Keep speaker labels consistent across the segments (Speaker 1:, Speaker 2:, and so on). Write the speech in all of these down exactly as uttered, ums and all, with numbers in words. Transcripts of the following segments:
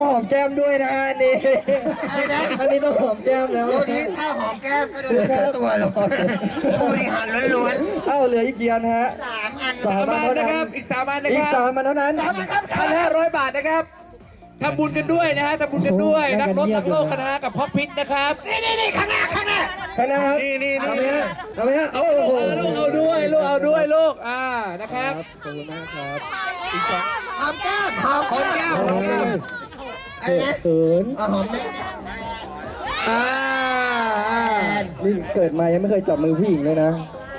Speaker 1: หอมแก้มด้วยนะนี่อันนี้ต้องหอมแก้มแล้ว
Speaker 2: ตัวนี้ถ้าหอมแก้มก็เดินทั้งตัวหรอกผู้บริหารล้วนๆ
Speaker 1: เอ้าเหลืออีกกี่อันฮะ
Speaker 2: สามอัน
Speaker 1: สามอันนะครับอีกสามอันนะครับอีกสามอันเท่านั้นพันห้าร้อยบาทนะครับทำบุญกันด้วยนะฮะทำบุญกันด้วยนักรถนักโลกกันนะฮะกับพ่อพิษนะครับนี่นี่นี่ข้างหน้าข้างหน้าข้างหน้าครับนี่นี่นี่เอาไหมฮะเอาไหมฮะเอาลูกเอาด้วยลูกเอาด้วยลูกอ่านะครับขอบคุณมากครับอีกสอง
Speaker 2: หอมแก้มหอม
Speaker 1: หอมแก้มหอมแก้ม
Speaker 2: ไอ้นะ
Speaker 1: เขิน
Speaker 2: เอาหอมแก้ม
Speaker 1: อ่านี่เกิดมายังไม่เคยจับมือผู้หญิงเลยนะ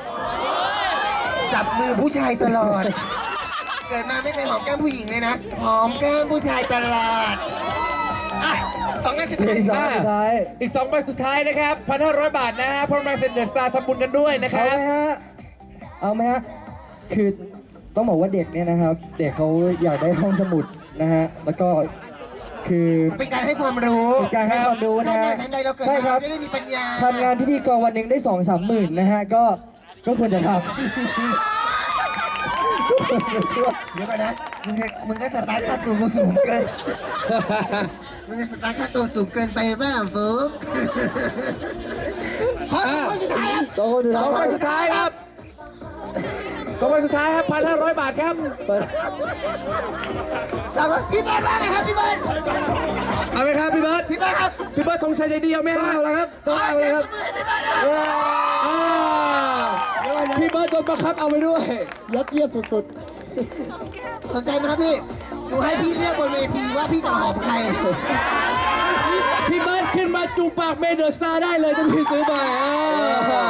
Speaker 2: จับมือผู้ชายตลอด เกิดมาไม่เคยหอมแก้มผู้หญิงเลยนะหอมแก้มผู้ชายตลอดอ่ะสองอันสุดท้าย
Speaker 1: อีกสองอันสุดท้ายอีกสองใบสุดท้ายนะครับพันห้าร้อยบาทนะฮะพร้อมแรงเซ็นเดอร์สตาร์ทำบุญกันด้วยนะครับเอาไหมฮะเอาไหมฮะคือต้องบอกว่าเด็กเนี่ยนะครับ เด็กเขาอยากได้ห้องสมุดนะฮะแล้วก็คือ
Speaker 2: เป็นการให้ความรู้
Speaker 1: เป็นการให้ความรู้นะฮะ
Speaker 2: ใช่ไหมเราเกิด
Speaker 1: ใช่
Speaker 2: มา
Speaker 1: ครับ
Speaker 2: จะได้มีปัญญา
Speaker 1: ทำงานพิธีกรวันหนึ่งได้สองสามหมื่นนะฮะก็ก็ควรจะทำ
Speaker 2: เดี๋ยวก่อนนะมึงก็มึงก็สตาร์ทค่าตัวกูสูงเกินมึงก็สตาร์ทค่าตัวสูงเกินไปบ้างฟูขอคนสุดท้ายครับ
Speaker 1: สองใบสุดท้ายครับสองใบสุดท้ายครับพันห้าร้อยบาทครับ
Speaker 2: สามพี่เบิร์ดว่าไงครับพี่เบิร์ด
Speaker 1: เอาไหมครับพี่เบิร์ด
Speaker 2: พี่เบิร์ดครับ
Speaker 1: พี่เบิร์ดธงชัยใจดีเอาไหมครับเอาแล้วครับต้องเอาเลยครับอ่าพี่เบิร์ดโดนบังคับเอาไปด้วยยัดเยียดสุด
Speaker 2: สนใจไหมครับพี่หนูให้พี่เลือกบนเวทีว่าพี่จะหอมใคร
Speaker 1: ๆพี่เบิร์ดขึ้นมาจูบปากเมเดอร์สตาร์ได้เลยถ้าพี่ซื้อมาอ่า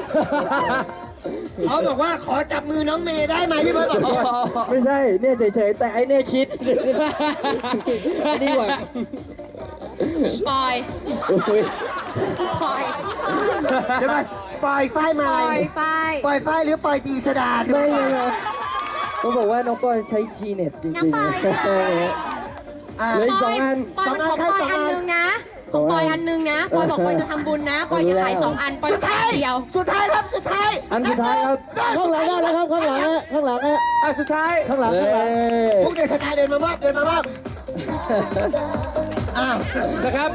Speaker 2: เขาบอกว่าขอจับมือน้องเมย์ได้ไหมพี่เบิร์ดบอก
Speaker 1: ไม่ใช่เนี่ยเฉยๆแต่ไอ้เนี่ยคิดดีกว่า
Speaker 3: ปล่อย ปล่อย
Speaker 2: เดี๋ยวก่อนปล่อยไฟมา
Speaker 3: ปล่อยไฟ
Speaker 2: ปล่อยไฟหรือปล่อยตีชดา
Speaker 1: ไม่เลยครับต้องบอกว่าน้องก้อยใช้ทีเน็ตจริงๆ
Speaker 3: น้ำปล่อยค่ะ
Speaker 2: อ่า
Speaker 1: เหลืออีกสองอัน
Speaker 3: ปล่อยมันของปล่อยอันนึงนะของปล่อยอันนึงนะปล่อยบอกปล่อยจะทำบุญนะปล่อยจะขายสองอันปล่อย
Speaker 2: สุด
Speaker 3: จะขา
Speaker 2: ท้าย ย
Speaker 3: เดียว
Speaker 2: สุดท้ายครับสุดท้าย
Speaker 1: อันสุดท้ายครับข้างหลังได้แล้วครับข้างหลังฮะข้างหลังฮะอันสุดท้ายข้างหลังข้างหลัง
Speaker 2: พวกเด็กสไตล์เดินมามอบเดินมามอบอ้าว
Speaker 1: นะครับ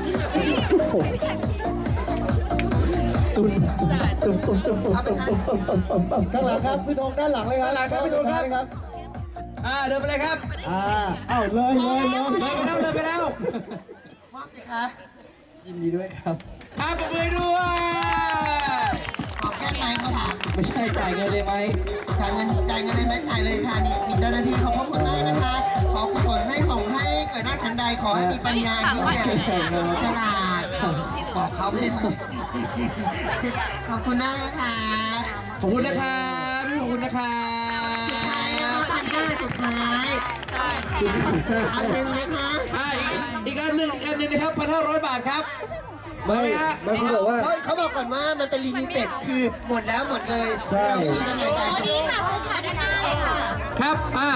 Speaker 1: ข้างหลังครับพี่ธงด้านหลังเลยครับด้านหลังครับพี่ธงครับอ่าเดินไปเลยครับอ่าเอ้าเลยเลยเลยเลยไปแล้วเลยไปแล้ว
Speaker 2: มอบสิคะ
Speaker 1: ยินดีด้วยครับครับปรบมือด้วย
Speaker 2: หอมแก้มไหมเขาถาม
Speaker 1: ไม่ใช่จ่ายเงินเลยไหม
Speaker 2: จ่ายเงินจ่ายเงินได้ไหมจ่ายเลยค่ะนี่มีเจ้าหน้าที่ขอบพระคุณมากนะคะขอกุศลให้ส่งให้เกิดหน้าชั้นใดขอให้มีปัญญาที่แก่ฉลาดบอกเขาไม่มาขอบคุณมากนะคะ
Speaker 1: ขอบคุณนะครับพี่ขอบคุณนะครับ
Speaker 2: สุดท้ายนะคะพันห้าสุดท้ายอันหนึ่งนะคะ
Speaker 1: อ่าอีกอันหนึ่งอีกอันหนึ่งนะครับพันห้าร้อยบาทครับไม่ไม่เขาบอกว่า
Speaker 2: เขาเขาบอกก่อนว่ามันเป็นลิมิเต็ดคือหมดแล้วหมดเลย
Speaker 1: ใช่
Speaker 2: เราไม่มีกำลังใจ
Speaker 3: ตัวนี้ค่ะคุณขาด้านหน้าเลยค่ะ
Speaker 1: ครับอ่า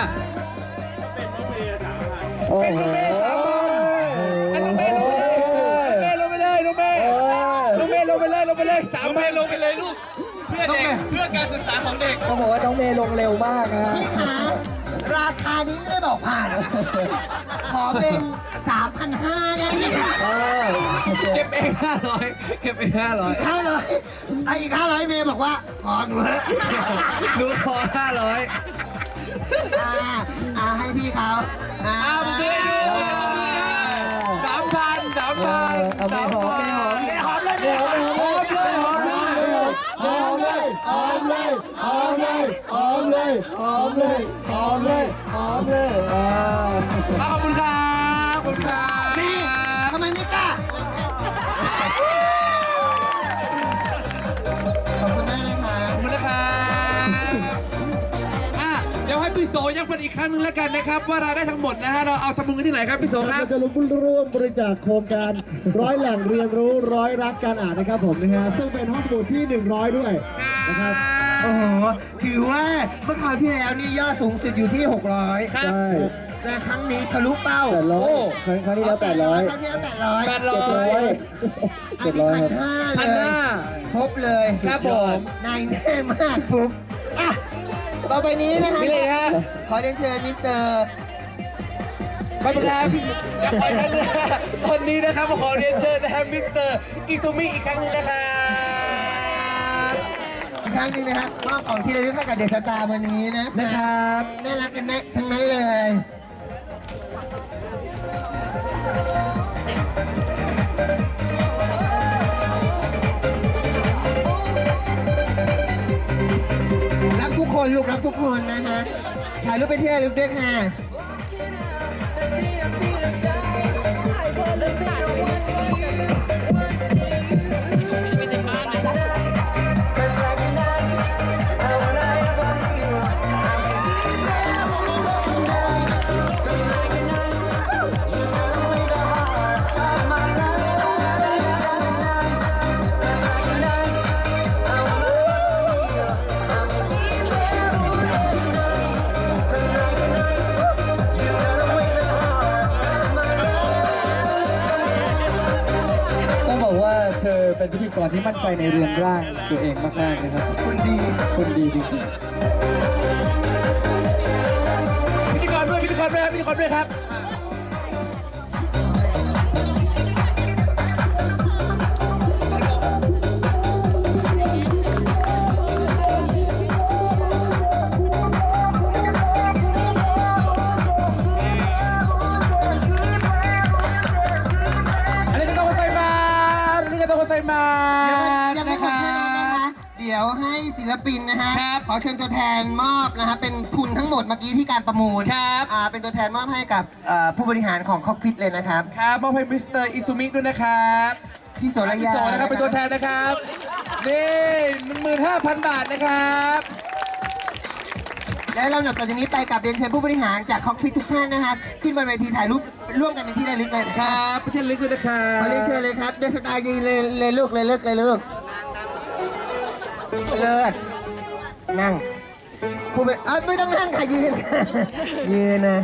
Speaker 1: เป็นน้องเมย์สามบอลน้องเมย์ลงไปเลยน้องเมย์น้องเมย์ลงไปเลยลงไปเลยสามเมย์ลงไปเลยลูกเพื่อเด็กเพื่อการศึกษาของเด็กเขาบอกว่าน้องเมย์ลงเร็วมากนะ
Speaker 2: พี่ขาราคานี้ไม่ได้บอกผ่าน ขอเป็น สามพันห้าร้อยได้ไหมคะ
Speaker 1: เก็บเองห้าร้อยเก็บเองห้าร้อย
Speaker 2: ห้าร้อยไอ้อีกห้าร้อยเมย์บอกว่าขอหนูเถอะ
Speaker 1: หนูขอห้าร้อย
Speaker 2: อ่าอ่าให้พี่เขาอ่า
Speaker 1: อ้าวเมย์สามพันสามพันสามพัน
Speaker 2: หอมเลยหอมเลยหอมเลยหอมเลยหอมเลยหอมเลยหอมเลยหอมเลยหอมเลยหอมเลย
Speaker 1: อ่าขอบคุณครับขอบคุณครับ
Speaker 2: นี่ทำไมไม่กล้าขอบคุณมากเลยค่ะ
Speaker 1: ขอบคุณนะครับอ่ะเดี๋ยวให้พี่โสยังเป็นอีกครั้งหนึงแล้วกันนะครับ ว่ารายได้ทั้งหมดนะฮะเราเอาทำบุญกันที่ไหนครับพี่โสครับ
Speaker 4: เราจะร่วมบริจาคโครงการร้อยแหล่งเรียนรู้ร้อยรักการอ่านนะครับผมนะฮะซึ่งเป็นห้องสมุดที่หนึ่งร้อยด้วยนะครับ
Speaker 2: โอ้โหถือว่าเมื่อคราวที่แล้วนี่ยอดสูงสุดอยู่ที่หกร้อย
Speaker 1: ครับ
Speaker 4: ใช่
Speaker 2: แต่ครั้งนี้ทะลุเป้า
Speaker 4: แปดร้อยครั้งครั้งที่แล้วแปดร้อย
Speaker 2: ครั้งที่แล้วแปดร้อย
Speaker 1: แปดร้อย
Speaker 2: อันนี้พันห้า
Speaker 1: พั
Speaker 2: เล
Speaker 1: น
Speaker 2: ย
Speaker 1: ห้า
Speaker 2: ครบเลย
Speaker 1: ครับผม
Speaker 2: นายแน่มากฟุกอ่ะต่อไปนี้นะคะ
Speaker 1: นี่เลยฮะ
Speaker 2: ขอเรียนเชิญมิสเตอร์
Speaker 1: ไม่เป็นไรครับเดี๋ยวคอยกันเลยตอนนี้นะครับขอเรียนเชิญนะครับมิสเตอร์อิซูมิอีกครั้งหนึงนะครับ
Speaker 2: อีกครั้งหนึงนะครับมอบของที่ระลึกให้กับเดอะสตาร์วันนี้นะ
Speaker 1: นะครับ
Speaker 2: น่ารักกันนะทั้งนั้นเลย รับทุกคนลูกรับทุกคนนะฮะถ่ายรูปไปนที่ระลึกด้วยค่ะ
Speaker 5: ต้องบอกว่าเธอเป็นพิธีกรที่มั่นใจในเรือนร่างตัวเองมากๆนะครับ
Speaker 2: คุณดี
Speaker 5: คนดีจริง
Speaker 1: พิธีกรด้วยพิธีกรด้วยครับพิธีกรด้วยครับ อันนี้ก็ต้องใส่มาอันนี้ก็ต้องใส่มา
Speaker 2: ยังไม่หมดแค่นั้นนะคะ เดี๋ยวให้ศิลปินนะฮะ
Speaker 1: ครับ
Speaker 2: ขอเชิญตัวแทนมอบนะฮะ เป็นทุนทั้งหมดเมื่อกี้ที่การประมูล
Speaker 1: ครับ
Speaker 2: อ่า เป็นตัวแทนมอบให้กับเอ่อผู้บริหารของคอกพิทเลยนะครับ
Speaker 1: ครับมอบให้มิสเตอร์อิซูมิด้วยนะครับ
Speaker 2: พี่โสระ
Speaker 1: พี่
Speaker 2: ยา
Speaker 1: โสนะครับเป็นตัวแทนนะครับ นี่หนึ่งหมื่นห้าพันบาทนะครับ
Speaker 2: และลำดับต่อจากนี้ไปกับเรียนเชิญผู้บริหารจากคอกพิททุกท่านนะครับ ขึ้นบนเวทีถ่ายรูปร่วมกันเป็นที่ระลึกเลยนะ
Speaker 1: ค
Speaker 2: ค
Speaker 1: รั
Speaker 2: รับบ
Speaker 1: ประเทศลึกด้วยนะครับ
Speaker 2: ขอเรียนเชิญเลยครับเดอะสตาร์ยืนเลยเลยลูกเลยเลิกเลยลูกเลิศนั่งผู้บริเอ้ยไม่ต้องนั่งค่ะยืน ยืนนะ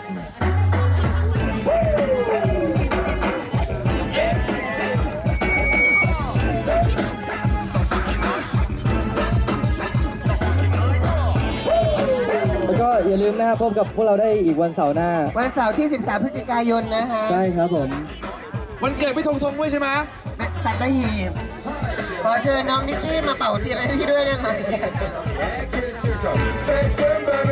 Speaker 5: ๆ แล้วก็อย่าลืมนะครับพบกับพวกเราได้อีกวันเสาร์หน้า
Speaker 2: วันเสาร์ที่ สิบสาม พฤศจิกายนนะฮะ
Speaker 5: ใช่ครับผม
Speaker 1: วันเกิดพี่ธงธงด้วยใช่ไหม
Speaker 2: สัตหีบขอเชิญน้องนิกกี้มาเป่าเทียนให้พี่ด้วยนะคะ